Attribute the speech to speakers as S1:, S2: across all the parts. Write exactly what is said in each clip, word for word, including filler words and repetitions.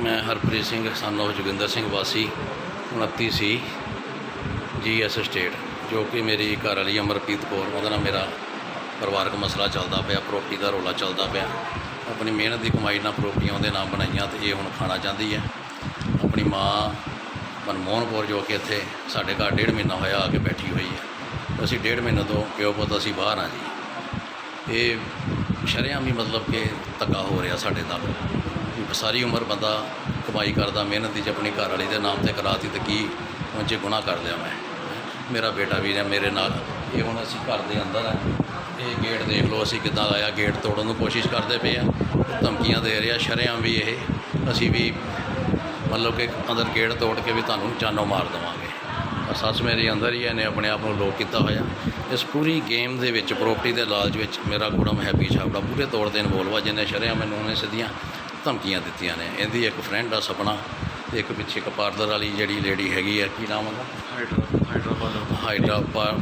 S1: मैं Harpreet Singh son of Joginder Singh वासी उनती सी जी एस स्टेट, जो कि मेरी घर वाली अमरप्रीत कौर, ਉਹਦੇ ਨਾਲ ਮੇਰਾ ਪਰਿਵਾਰਕ ਮਸਲਾ ਚੱਲਦਾ ਪਿਆ, ਪ੍ਰੋਪਰਟੀ ਦਾ ਰੌਲਾ ਚੱਲਦਾ ਪਿਆ। ਆਪਣੀ ਮਿਹਨਤ ਦੀ ਕਮਾਈ ਨਾਲ ਪ੍ਰੋਪਰਟੀਆਂ ਉਹਦੇ ਨਾਮ ਬਣਾਈਆਂ ਤੇ ਇਹ ਹੁਣ ਖਾਣਾ ਚਾਹੁੰਦੀ ਹੈ। ਆਪਣੀ ਮਾਂ ਮਨਮੋਹਨ ਕੌਰ ਜੋ ਕਿ ਇੱਥੇ ਸਾਡੇ ਘਰ ਡੇਢ ਮਹੀਨਾ ਹੋਇਆ ਆ ਕੇ ਬੈਠੀ ਹੋਈ ਹੈ। ਅਸੀਂ ਡੇਢ ਮਹੀਨੇ ਤੋਂ ਪਿਓ ਪੁੱਤ ਅਸੀਂ ਬਾਹਰ ਹਾਂ ਜੀ। ਇਹ ਸ਼ਰੇਆਮ ਹੀ ਮਤਲਬ ਕਿ ਧੱਕਾ ਹੋ ਰਿਹਾ ਸਾਡੇ ਨਾਲ। ਸਾਰੀ ਉਮਰ ਬੰਦਾ ਕਮਾਈ ਕਰਦਾ, ਮਿਹਨਤ ਦੀ ਆਪਣੀ ਘਰ ਵਾਲੀ ਦੇ ਨਾਮ ਤੇ ਕਰਾਤੀ ਤੇ ਕੀ ਉਹ 'ਚ ਗੁਨਾਹ ਕਰ ਲਿਆ ਮੈਂ। ਮੇਰਾ ਬੇਟਾ ਵੀ ਹੈ ਮੇਰੇ ਨਾਲ। ਇਹ ਹੁਣ ਅਸੀਂ ਘਰ ਦੇ ਅੰਦਰ ਹੈ, ਇਹ ਗੇਟ ਦੇਖ ਲਓ ਅਸੀਂ ਕਿੱਦਾਂ ਆਇਆ, ਗੇਟ ਤੋੜਨ ਨੂੰ ਕੋਸ਼ਿਸ਼ ਕਰਦੇ ਪਏ ਆ, ਧਮਕੀਆਂ ਦੇ ਰਿਹਾ ਸ਼ਰੇਆਮ ਵੀ। ਇਹ ਅਸੀਂ ਵੀ ਮਤਲਬ ਕਿ ਅੰਦਰ ਗੇਟ ਤੋੜ ਕੇ ਵੀ ਤੁਹਾਨੂੰ ਜਾਨੋਂ ਮਾਰ ਦੇਵਾਂਗੇ। ਸੱਸ ਮੇਰੀ ਅੰਦਰ ਹੀ ਇਹਨੇ ਆਪਣੇ ਆਪ ਨੂੰ ਲੋਕ ਕੀਤਾ ਹੋਇਆ। ਇਸ ਪੂਰੀ ਗੇਮ ਦੇ ਵਿੱਚ ਪ੍ਰੋਪਰਟੀ ਦੇ ਲਾਲਚ ਵਿੱਚ ਮੇਰਾ ਕੁੜਮ ਹੈਪੀ ਛਾਬੜਾ ਪੂਰੇ ਤੌਰ 'ਤੇ ਇਨਵੋਲਵ ਆ, ਜਿਹਨੇ ਸ਼ਰੇਆਮ ਮੈਨੂੰ ਉਹਨੇ ਸਿੱਧੀਆਂ ਧਮਕੀਆਂ ਦਿੱਤੀਆਂ ਨੇ। ਇਹਦੀ ਇੱਕ ਫਰੈਂਡ ਆ ਸਪਨਾ, ਤੇ ਇੱਕ ਪਿੱਛੇ ਇੱਕ ਪਾਰਲਰ ਵਾਲੀ ਜਿਹੜੀ ਲੇਡੀ ਹੈਗੀ ਹੈ, ਕੀ ਨਾਮ ਉਹਦਾ, ਹਾਈਡਰਾ ਹਾਈਡਰਾ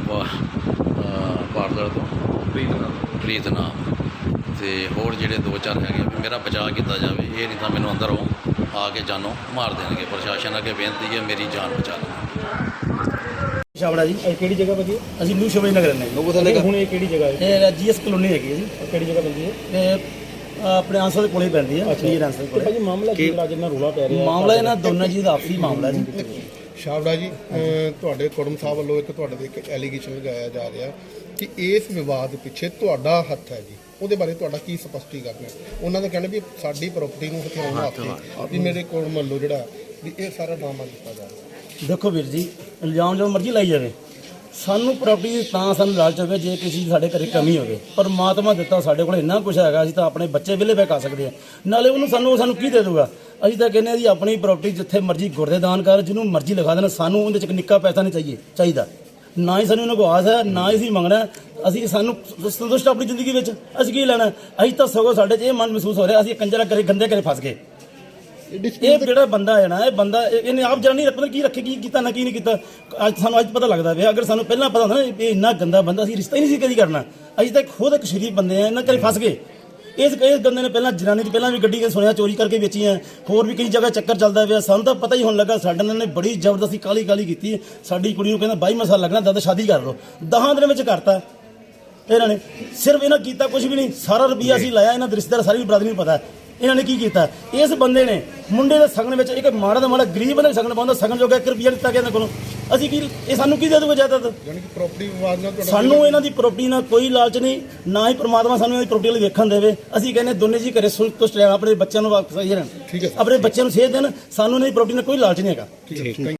S1: ਪਾਰਲਰ ਤੋਂ ਪ੍ਰੀਤ ਨਾਮ ਪ੍ਰੀਤ ਨਾਮ ਅਤੇ ਹੋਰ ਜਿਹੜੇ ਦੋ ਚਾਰ ਹੈਗੇ ਵੀ ਮੇਰਾ ਬਚਾਅ ਕੀਤਾ ਜਾਵੇ। ਇਹ ਨਹੀਂ ਤਾਂ ਮੈਨੂੰ ਅੰਦਰੋਂ ਆ ਕੇ ਜਾਨੋਂ ਮਾਰ ਦੇਣਗੇ। ਪ੍ਰਸ਼ਾਸਨ ਅੱਗੇ ਬੇਨਤੀ ਹੈ ਮੇਰੀ ਜਾਨ ਬਚਾ ਲਓ।
S2: ਛਾਬੜਾ ਜੀ, ਇਹ ਕਿਹੜੀ ਜਗ੍ਹਾ ਭਾਜੀ? ਅਸੀਂ ਨਿਊ ਸ਼ੋਭਾ ਨਗਰ ਰਹਿੰਦੇ ਹਾਂ। ਹੁਣ ਇਹ ਕਿਹੜੀ ਜਗ੍ਹਾ ਹੈ? ਇਹ ਜੀ ਐਸ ਕਲੋਨੀ ਹੈਗੀ ਹੈ ਜੀ। ਕਿਹੜੀ ਜਗ੍ਹਾ ਪੈਂਦੀ ਹੈ? ਇਹ ਆਪਣੇ ਆਂਸਰ ਦੇ ਕੋਲੇ ਪੈਂਦੀ ਹੈ। ਜੀ ਆਂਸਰ ਕੋਲੇ। ਭਾਜੀ ਮਾਮਲਾ ਕੀ ਹੈ ਜਿੰਨਾ ਰੌਲਾ ਪੈ ਰਿਹਾ? ਮਾਮਲਾ ਇਹਨਾਂ ਦੋਨਾਂ ਜੀ ਦਾ ਆਪਸੀ ਮਾਮਲਾ ਜੀ।
S3: ਛਾਬੜਾ ਜੀ, ਤੁਹਾਡੇ ਕੁੜਮ ਸਾਹਿਬ ਵੱਲੋਂ ਇੱਕ ਤੁਹਾਡੇ ਦੇ ਇੱਕ ਐਲੀਗੇਸ਼ਨ ਲਗਾਇਆ ਜਾ ਰਿਹਾ ਕਿ ਇਸ ਵਿਵਾਦ ਪਿੱਛੇ ਤੁਹਾਡਾ ਹੱਥ ਹੈ ਜੀ। ਉਹਦੇ ਬਾਰੇ ਤੁਹਾਡਾ ਕੀ ਸਪਸ਼ਟੀਕਰਨ ਹੈ? ਉਹਨਾਂ ਦਾ ਕਹਿਣਾ ਵੀ ਸਾਡੀ ਪ੍ਰਾਪਰਟੀ ਨੂੰ ਹਥਿਆਉਣ ਵਾਸਤੇ ਵੀ ਮੇਰੇ ਕੁੜਮ ਵੱਲੋਂ ਜਿਹੜਾ ਵੀ ਇਹ ਸਾਰਾ ਡਰਾਮਾ ਕੀਤਾ ਜਾ ਰਿਹਾ।
S2: ਦੇਖੋ ਵੀਰ ਜੀ, ਇਲਜ਼ਾਮ ਜੋ ਮਰਜ਼ੀ ਲਾਈ ਜਾਵੇ, ਸਾਨੂੰ ਪ੍ਰਾਪਰਟੀ ਤਾਂ ਸਾਨੂੰ ਲਾਲਚ ਹੋਵੇ ਜੇ ਕਿਸੇ ਸਾਡੇ ਘਰੇ ਕਮੀ ਹੋਵੇ। ਪਰਮਾਤਮਾ ਦਿੱਤਾ ਸਾਡੇ ਕੋਲ ਇੰਨਾ ਕੁਝ ਹੈਗਾ, ਅਸੀਂ ਤਾਂ ਆਪਣੇ ਬੱਚੇ ਵਿਹਲੇ ਬਹਿ ਕਰ ਸਕਦੇ ਹਾਂ। ਨਾਲੇ ਉਹਨੂੰ ਸਾਨੂੰ ਸਾਨੂੰ ਕੀ ਦੇ ਦੂਗਾ? ਅਸੀਂ ਤਾਂ ਕਹਿੰਦੇ ਹਾਂ ਜੀ ਆਪਣੀ ਪ੍ਰਾਪਰਟੀ ਜਿੱਥੇ ਮਰਜ਼ੀ ਗੁਰਦੇ ਦਾਨ ਕਰ, ਜਿਹਨੂੰ ਮਰਜ਼ੀ ਲਿਖਾ ਦੇਣਾ, ਸਾਨੂੰ ਉਹਦੇ 'ਚ ਇੱਕ ਨਿੱਕਾ ਪੈਸਾ ਨਹੀਂ ਚਾਹੀਏ ਚਾਹੀਦਾ। ਨਾ ਹੀ ਸਾਨੂੰ ਉਹਨਾਂ ਕੋਲ ਆਸ ਹੈ, ਨਾ ਹੀ ਅਸੀਂ ਮੰਗਣਾ। ਅਸੀਂ ਸਾਨੂੰ ਸੰਤੁਸ਼ਟ ਆਪਣੀ ਜ਼ਿੰਦਗੀ ਵਿੱਚ ਅਸੀਂ ਕੀ ਲੈਣਾ? ਅਸੀਂ ਤਾਂ ਸਗੋਂ ਸਾਡੇ 'ਚ ਇਹ ਮਨ ਮਹਿਸੂਸ ਹੋ ਰਿਹਾ ਅਸੀਂ ਕੰਜਰਾ ਕਰੇ ਗੰਦੇ ਘਰੇ ਫਸ ਗਏ। ਇਹ ਜਿਹੜਾ ਬੰਦਾ ਹੈ ਨਾ, ਇਹ ਬੰਦਾ ਇਹਨੇ ਆਪ ਜਾਣੀ ਪਤਾ ਕੀ ਰੱਖੇ, ਕੀ ਕੀਤਾ ਨਾ ਕੀ ਨਹੀਂ ਕੀਤਾ। ਅੱਜ ਸਾਨੂੰ ਅੱਜ ਪਤਾ ਲੱਗਦਾ ਪਿਆ। ਅਗਰ ਸਾਨੂੰ ਪਹਿਲਾਂ ਪਤਾ ਹੁੰਦਾ ਨਾ ਇਹ ਇੰਨਾ ਗੰਦਾ ਬੰਦਾ, ਅਸੀਂ ਰਿਸ਼ਤਾ ਹੀ ਨਹੀਂ ਸੀ ਕਦੀ ਕਰਨਾ। ਅਸੀਂ ਤਾਂ ਖੁਦ ਇੱਕ ਸ਼ਰੀਫ ਬੰਦੇ ਆ, ਇਹਨਾਂ ਘਰੇ ਫਸ ਗਏ। ਇਸ ਇਸ ਬੰਦੇ ਨੇ ਪਹਿਲਾਂ ਜਨਾਨੀ ਦੀ ਪਹਿਲਾਂ ਵੀ ਗੱਡੀ ਸੁਣਿਆ ਚੋਰੀ ਕਰਕੇ ਵੇਚੀਆਂ, ਹੋਰ ਵੀ ਕਈ ਜਗ੍ਹਾ ਚੱਕਰ ਚੱਲਦਾ ਪਿਆ। ਸਾਨੂੰ ਤਾਂ ਪਤਾ ਹੀ ਹੁਣ ਲੱਗਾ। ਸਾਡੇ ਨਾਲ ਨੇ ਬੜੀ ਜ਼ਬਰਦਸਤੀ ਕਾਲੀ ਕਾਲੀ ਕੀਤੀ। ਸਾਡੀ ਕੁੜੀ ਨੂੰ ਕਹਿੰਦਾ ਬਾਈ ਸਾਲ ਲੱਗਣਾ, ਦਾਦਾ ਸ਼ਾਦੀ ਕਰ ਲਓ। ਦਸਾਂ ਦਿਨਾਂ ਵਿੱਚ ਕਰਤਾ ਇਹਨਾਂ ਨੇ। ਸਿਰਫ ਇਹਨਾਂ ਕੀਤਾ ਕੁਝ ਵੀ ਨਹੀਂ, ਸਾਰਾ ਰੁਪਈਆ ਅਸੀਂ ਲਾਇਆ। ਇਹਨਾਂ ਦੇ ਰਿਸ਼ਤੇਦਾਰ ਸਾਰੀ ਬਰਾਦਰੀ ਨੂੰ ਪਤਾ ਇਹਨਾਂ ਨੇ ਕੀ ਕੀਤਾ। ਇਸ ਬੰਦੇ ਨੇ ਮੁੰਡੇ ਦੇ ਸਗਨ ਵਿੱਚ ਇੱਕ ਮਾੜਾ ਦਾ ਮਾੜਾ ਗਰੀਬ ਬੰਦੇ ਸਗਨ ਪਾਉਂਦਾ, ਸਗਨ ਜੋਗਾ ਇੱਕ ਰੁਪਈਆ ਦਿੱਤਾ ਗਿਆ ਇਹਨਾਂ ਕੋਲੋਂ। ਅਸੀਂ ਕੀ ਇਹ ਸਾਨੂੰ ਕੀ ਦੇ ਦੂਗਾ ਜਾਇਦਾਦ?
S3: ਯਾਨੀ ਕਿ ਪ੍ਰਾਪਰਟੀ ਵਿਵਾਦ ਨਾਲ ਤੁਹਾਡਾ
S2: ਸਾਨੂੰ ਇਹਨਾਂ ਦੀ ਪ੍ਰਾਪਰਟੀ ਨਾਲ ਕੋਈ ਲਾਲਚ ਨਹੀਂ, ਨਾ ਹੀ ਪ੍ਰਮਾਤਮਾ ਸਾਨੂੰ ਇਹਨਾਂ ਦੀ ਪ੍ਰਾਪਰਟੀ ਲਈ ਵੇਖਣ ਦੇਵੇ। ਅਸੀਂ ਕਹਿੰਦੇ ਦੋਨੇ ਜੀ ਘਰੇ ਸੰਤੁਸ਼ਟ ਰਹਿਣ, ਆਪਣੇ ਬੱਚਿਆਂ ਨੂੰ ਵਾਪਸ ਸਹੀ ਰਹਿਣ, ਆਪਣੇ ਬੱਚਿਆਂ ਨੂੰ ਸੇਧ ਦੇਣ। ਸਾਨੂੰ ਇਹਨਾਂ ਦੀ ਪ੍ਰਾਪਰਟੀ ਨਾਲ ਕੋਈ ਲਾਲਚ ਨਹੀਂ ਹੈਗਾ।